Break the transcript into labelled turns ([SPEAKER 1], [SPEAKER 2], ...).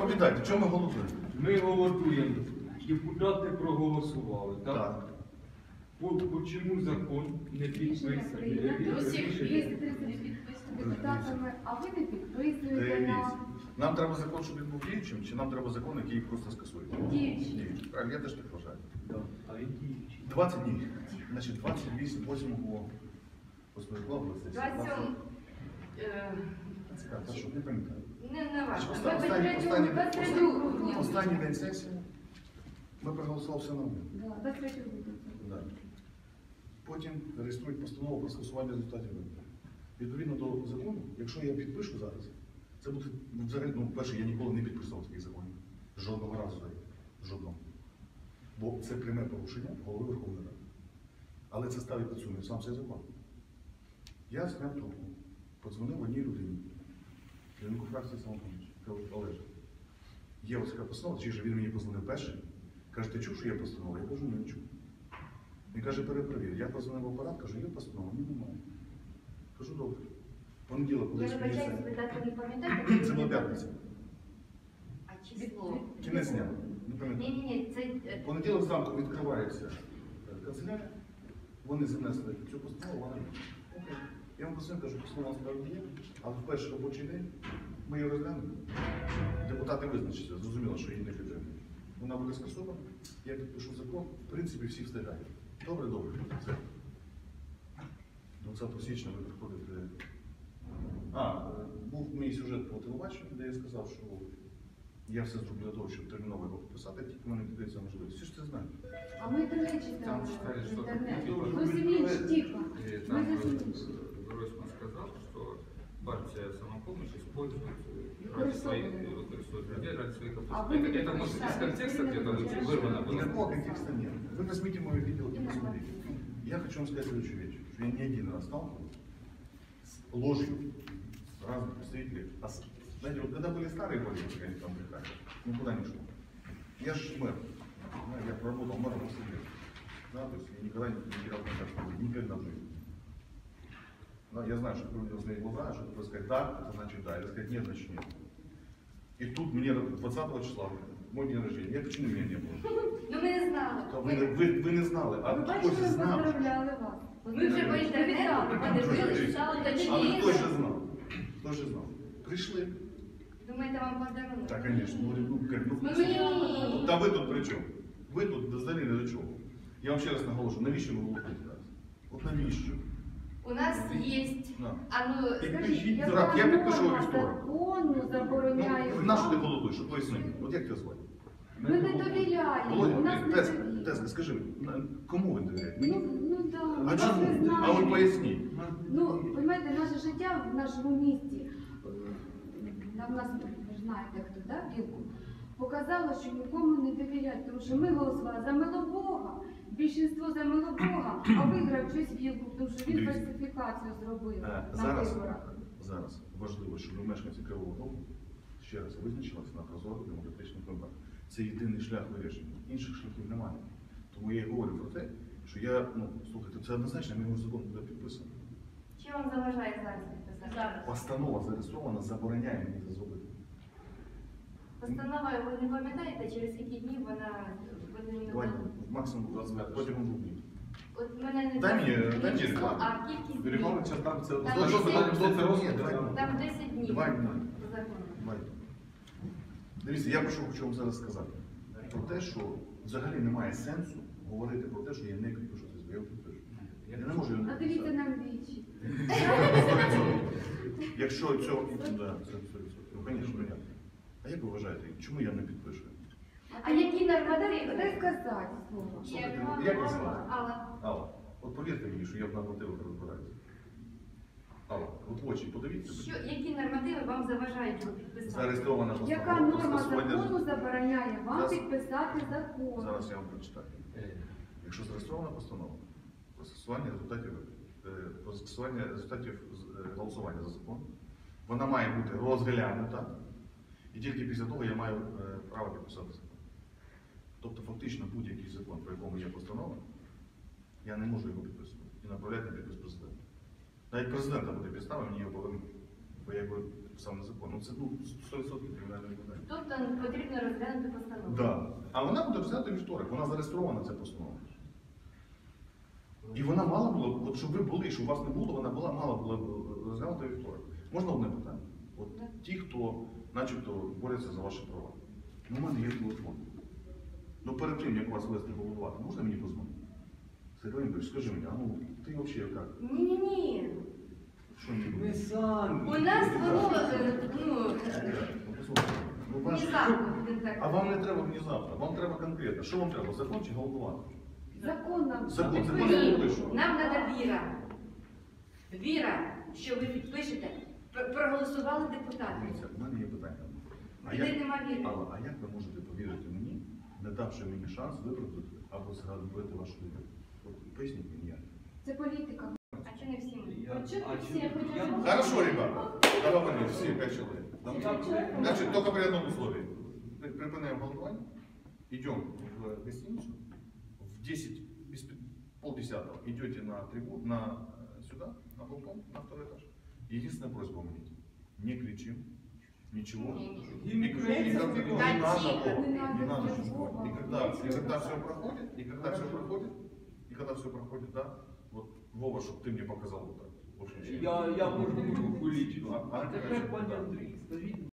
[SPEAKER 1] доповідайте, чому ми голосуємо?
[SPEAKER 2] Ми голосуємо. Депутати проголосували, так?
[SPEAKER 1] Так.
[SPEAKER 2] Чому закон не підписаний?
[SPEAKER 3] Усіх депутатами, а ви не підписуєте нам.
[SPEAKER 1] Нам треба закон, щоб він був діючим, чи нам треба закон, який просто скасує?
[SPEAKER 3] Діючий.
[SPEAKER 1] Правильно, я теж так вважаю.
[SPEAKER 2] А які?
[SPEAKER 1] 20 днів. Значить, 28, 8 розповідав.
[SPEAKER 3] 27.
[SPEAKER 1] Цікаво, що не пам'ятаю.
[SPEAKER 3] Не важко.
[SPEAKER 1] Останній день сесії ми проголосували все нормально.
[SPEAKER 3] 23 грудня.
[SPEAKER 1] Да. Потім реєструють постанову про скасування результатів виборів. Відповідно до закону, якщо я підпишу зараз, це буде взагалі, перше, я ніколи не підписував таких законів. Жодного разу. Жодного. Бо це пряме порушення голови Верховної Ради. Але це ставить під сумнів сам цей закон. Я зняв трубку, подзвонив одній людині, керівнику фракції «Самопоміч», кажу: Олеже, є ось така постанова, чи ж він мені подзвонив перший, каже: ти чув, що є постанова? Я кажу: ні, не чув. Він каже: перепровір. Я позвонив в апарат, кажу: є постанова? Ні, немає. Кажу: добре. Понеділок, коли
[SPEAKER 3] Я вибачаюся, не пам'ятаєте?
[SPEAKER 1] це була п'ятниця.
[SPEAKER 3] А число?
[SPEAKER 1] Кінець дня. Не пам'ятаю.
[SPEAKER 3] Ні, це...
[SPEAKER 1] Понеділок зранку відкривається канцелярія, вони занесли цю постанову, вона є. Окей. Я вам позвонив, кажу: постанова насправді є, але в перший робочий день ми її розглянемо. Депутати визначаться, зрозуміло, що її не підтримують. Вона буде скасована, я підпишу закон, в принципі, всі встигають. Добре, добре. Все. 20 січня ви приходите. Був мій сюжет по телебаченню, де я сказав, що я все зроблю для того, щоб терміново його підписати, тільки в мене піддається можливість. Всі ж це знають.
[SPEAKER 3] А ми, до речі,
[SPEAKER 4] Там
[SPEAKER 3] там
[SPEAKER 4] читали,
[SPEAKER 3] в
[SPEAKER 4] что
[SPEAKER 3] інтернеті.
[SPEAKER 4] там
[SPEAKER 3] Зовсім інше, тихо.
[SPEAKER 4] Там
[SPEAKER 3] Ми зовсім інше.
[SPEAKER 4] Гройсман сказал, что партия «Самопомощь» использует людей ради своих
[SPEAKER 3] А
[SPEAKER 4] оппозиций.
[SPEAKER 3] вы
[SPEAKER 4] Это может из контекста где-то вырвано было.
[SPEAKER 1] Никакого контекста нет. Вы возьмите мой видео и посмотрите. Я хочу вам сказать следующую вещь, что я не один раз сталкивался с ложью разных представителей. Знаете, вот когда были старые политики, они там брехали, никуда не шло. Я же мэр, я проработал мэром 8 лет. Да, то есть я никогда не терял контакт, никогда в жизни. Но я знаю, что такое видел глаза, что такое сказать «да», это значит «да», или сказать «нет», значит «нет». И тут мне 20 числа, мой день рождения, я почему меня не было?
[SPEAKER 3] Ну ми не знали.
[SPEAKER 1] Ви не знали, а
[SPEAKER 3] Ви
[SPEAKER 1] хтось
[SPEAKER 3] бачите, ми
[SPEAKER 1] знав.
[SPEAKER 3] поздравляли вас. Ми вже по інтернету подивилися, стало
[SPEAKER 1] Але
[SPEAKER 3] точніше.
[SPEAKER 1] хтось же знав. Хтось же знав. Прийшли.
[SPEAKER 3] Думаєте, вам подарунок?
[SPEAKER 1] Так, звісно.
[SPEAKER 3] Ми мені вам подарунок.
[SPEAKER 1] Та ви тут при чому? Ви тут взагалі не до чого. Я вам ще раз наголошую, навіщо ви голосуєте зараз? От навіщо?
[SPEAKER 3] У нас є...
[SPEAKER 1] На.
[SPEAKER 3] А ну, скажіть,
[SPEAKER 1] Так, я підпишу
[SPEAKER 3] норма
[SPEAKER 1] вівторок.
[SPEAKER 3] закону забороняє...
[SPEAKER 1] Ну, нащо ти голосуєш? Що поясни? От як тебе звати?
[SPEAKER 3] Ми не довіряємо. У нас
[SPEAKER 1] Володя,
[SPEAKER 3] не
[SPEAKER 1] Теска,
[SPEAKER 3] довіряємо.
[SPEAKER 1] скажи, кому ви довіряєте? Мені?
[SPEAKER 3] Ну так,
[SPEAKER 1] А
[SPEAKER 3] ми не
[SPEAKER 1] чому?
[SPEAKER 3] знаємо.
[SPEAKER 1] А ви поясніть.
[SPEAKER 3] Ну, розумієте, наше життя в нашому місті, в нас, ви ж знаєте, хто, да, Білку, показало, що нікому не довіряють, тому що ми голосували за Милобога, більшинство за Милобога, а виграв щось Білку, тому що він
[SPEAKER 1] Дивіться.
[SPEAKER 3] фальсифікацію зробив на
[SPEAKER 1] Зараз,
[SPEAKER 3] виборах.
[SPEAKER 1] зараз важливо, щоб мешканці Кривого Рогу ще раз визначилися на прозорих демократичних виборах. Це єдиний шлях вирішення. Інших шляхів немає. Тому я і говорю про те, що я, слухайте, це однозначно, мій закон буде підписаний.
[SPEAKER 3] Що вам заважає зараз підписати? Зараз.
[SPEAKER 1] Постанова зареєстрована, забороняє мені це зробити.
[SPEAKER 3] Постанова, ви не пам'ятаєте, через які днів вона...
[SPEAKER 1] Давай, максимум 25, протягом 2 днів.
[SPEAKER 3] От мене не
[SPEAKER 1] Дай мені
[SPEAKER 3] число,
[SPEAKER 1] рекламу.
[SPEAKER 3] а кількість днів.
[SPEAKER 2] Регламент час там це
[SPEAKER 3] Там
[SPEAKER 2] що
[SPEAKER 3] десять-
[SPEAKER 2] питання, що це розгляд.
[SPEAKER 1] Давай.
[SPEAKER 3] Там 10 днів
[SPEAKER 1] Давай, давай.
[SPEAKER 3] по закону.
[SPEAKER 1] Давайте. Дивіться, я хочу вам зараз сказати про те, що взагалі немає сенсу говорити про те, що я не підпишу цей закон. Я підпишу. Я не можу його не
[SPEAKER 3] А дивіться
[SPEAKER 1] підписати.
[SPEAKER 3] нам вічі.
[SPEAKER 1] Якщо цього... Да, це 100%. Ну, звісно, понятно. А як ви вважаєте, чому я не підпишу?
[SPEAKER 3] А які нормативи? Дай сказати слово.
[SPEAKER 1] Слухайте, як вас звати?
[SPEAKER 3] Алла.
[SPEAKER 1] Алла, от повірте мені, що я в нормативах розбираюся. Алла, от в очі подивіться.
[SPEAKER 3] Які нормативи вам заважають його підписати?
[SPEAKER 1] Зареєстрована
[SPEAKER 3] Яка
[SPEAKER 1] постанова про
[SPEAKER 3] норма
[SPEAKER 1] скасування...
[SPEAKER 3] закону забороняє вам
[SPEAKER 1] Зараз.
[SPEAKER 3] підписати закон?
[SPEAKER 1] Зараз я вам прочитаю. Якщо зареєстрована постанова про скасування результатів голосування за закон, вона має бути розглянута, і тільки після того я маю право підписати закон. Тобто фактично будь-який закон, про якому є постанова, я не можу його підписувати і направляти на підпис президента. Навіть президента буде підстави, мені його повернути, бо я його підписав на закон. Ну це 100% кримінальне питання.
[SPEAKER 3] Тобто потрібно розглянути постанову.
[SPEAKER 1] Да. А вона буде розглянути вівторок, вона зареєстрована, ця постанова. І вона мала було, от щоб ви були, щоб вас не було, вона мала була розглянути вівторок. Можна одне питання? От ті, хто начебто борються за ваші права. Ну, у мене є телефон. Ну перед тим, як вас вести головувати, можна мені позвонити? Сергій Ігорович, скажи мені, а ну ти взагалі як?
[SPEAKER 3] Ні.
[SPEAKER 1] Що мені
[SPEAKER 2] Ми
[SPEAKER 1] робити?
[SPEAKER 2] самі.
[SPEAKER 3] У нас було,
[SPEAKER 1] Ну, послухайте, ну, ваш- А вам не треба внезапно, вам треба конкретно. Що вам треба? Закон чи голосувати?
[SPEAKER 3] закон нам.
[SPEAKER 1] Закон не
[SPEAKER 3] Ні,
[SPEAKER 1] пишу.
[SPEAKER 5] Нам треба віра. Віра, що ви підпишете, проголосували депутати.
[SPEAKER 1] Дивіться, в мене є питання. А
[SPEAKER 5] Людей
[SPEAKER 1] як,
[SPEAKER 5] нема віри.
[SPEAKER 1] Алла, а як ви можете повірити мені, не давши мені шанс виправдати або згадувати вашу людину? От поясніть мені як.
[SPEAKER 3] Це політика.
[SPEAKER 5] А чого не всі ми?
[SPEAKER 2] Я-
[SPEAKER 3] А чого
[SPEAKER 2] а
[SPEAKER 3] всі?
[SPEAKER 2] чого-
[SPEAKER 3] Я хотіла
[SPEAKER 2] я-
[SPEAKER 3] сказати.
[SPEAKER 1] Хорошо, ребята, давай все, 5 человек.
[SPEAKER 2] Я-
[SPEAKER 1] Значит, только при одном условии. Припинаем голосование, идем в гостиницу, в 10, без полдесятого идете на трибуну, сюда, на балкон, на второй этаж. Единственная просьба у меня, не кричим, ничего.
[SPEAKER 5] Не-не.
[SPEAKER 2] Гімн
[SPEAKER 1] Не
[SPEAKER 2] України
[SPEAKER 1] надо,
[SPEAKER 2] заспіваємо.
[SPEAKER 1] не надо
[SPEAKER 3] ничего.
[SPEAKER 1] ничего. И когда все проходит, и когда все проходит, да, вот, Вова, чтобы ты мне показал вот так. Вот,
[SPEAKER 2] Я можу руку лічити.
[SPEAKER 1] А
[SPEAKER 2] А тепер, пане Андрій, скажіть,